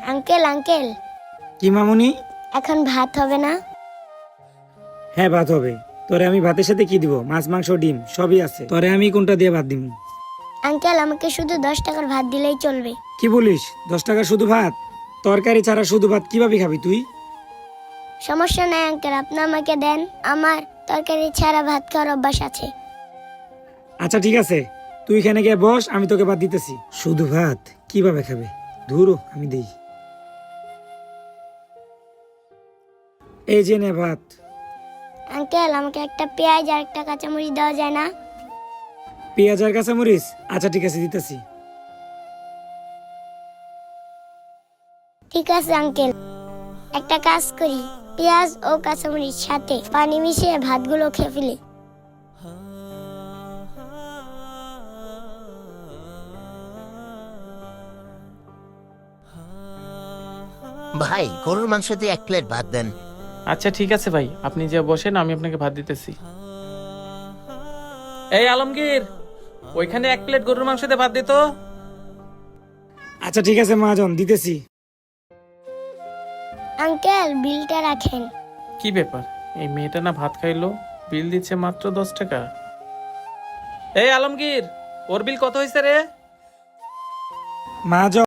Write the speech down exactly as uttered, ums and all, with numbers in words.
Uncle uncle কি মামুনি? এখন ভাত হবে না? হ্যাঁ ভাত হবে। তোরে আমি ভাতের সাথে কি দিব? মাছ মাংস ডিম সবই আছে। তোরে আমি কোনটা দিয়ে ভাত দিব? আঙ্কেল আমাকে শুধু দশ টাকার ভাত দিলেই চলবে। কি বলিস? দশ টাকা শুধু ভাত? তরকারি ছাড়া শুধু ভাত কিভাবে খাবি তুই? সমস্যা নাই আঙ্কেল, আপনি আমাকে দেন, আমার তরকারি ছাড়া ভাত খাওয়ার অভ্যাস আছে। আচ্ছা ঠিক আছে, তুই এখানে গিয়ে বস, আমি তোকে ভাত দিতেছি। শুধু ভাত কিভাবে খাবে? ধুরো, আমি দেই। এই যে নে ভাত। আঙ্কেল আমাকে একটা পেঁয়াজ আর একটা কাঁচামরিচ দেওয়া যায় না? পেঁয়াজ আর কাঁচামরিচ? আচ্ছা ঠিক আছে, দিতেছি। ঠিক আছে আঙ্কেল, একটা কাজ করি, পেঁয়াজ ও কাঁচামরিচ সাথে পানি মিশিয়ে ভাতগুলো খেয়ে ফেলি। ভাই গরুর মাংস দিয়ে এক প্লেট ভাত দেন। আচ্ছা ঠিক আছে ভাই, আপনি যে বসেন, আমি আপনাকে ভাত দিতেছি। এই আলমগীর, ওইখানে এক প্লেট গরুর মাংস দিয়ে ভাত দিত। আচ্ছা ঠিক আছে মহাজন, দিতেছি। আঙ্কেল বিলটা রাখেন। কি ব্যাপার, এই মেয়েটা না ভাত খাইলো, বিল দিচ্ছে মাত্র দশ টাকা। এই আলমগীর, ওর বিল কত হয়েছে রে? মহাজন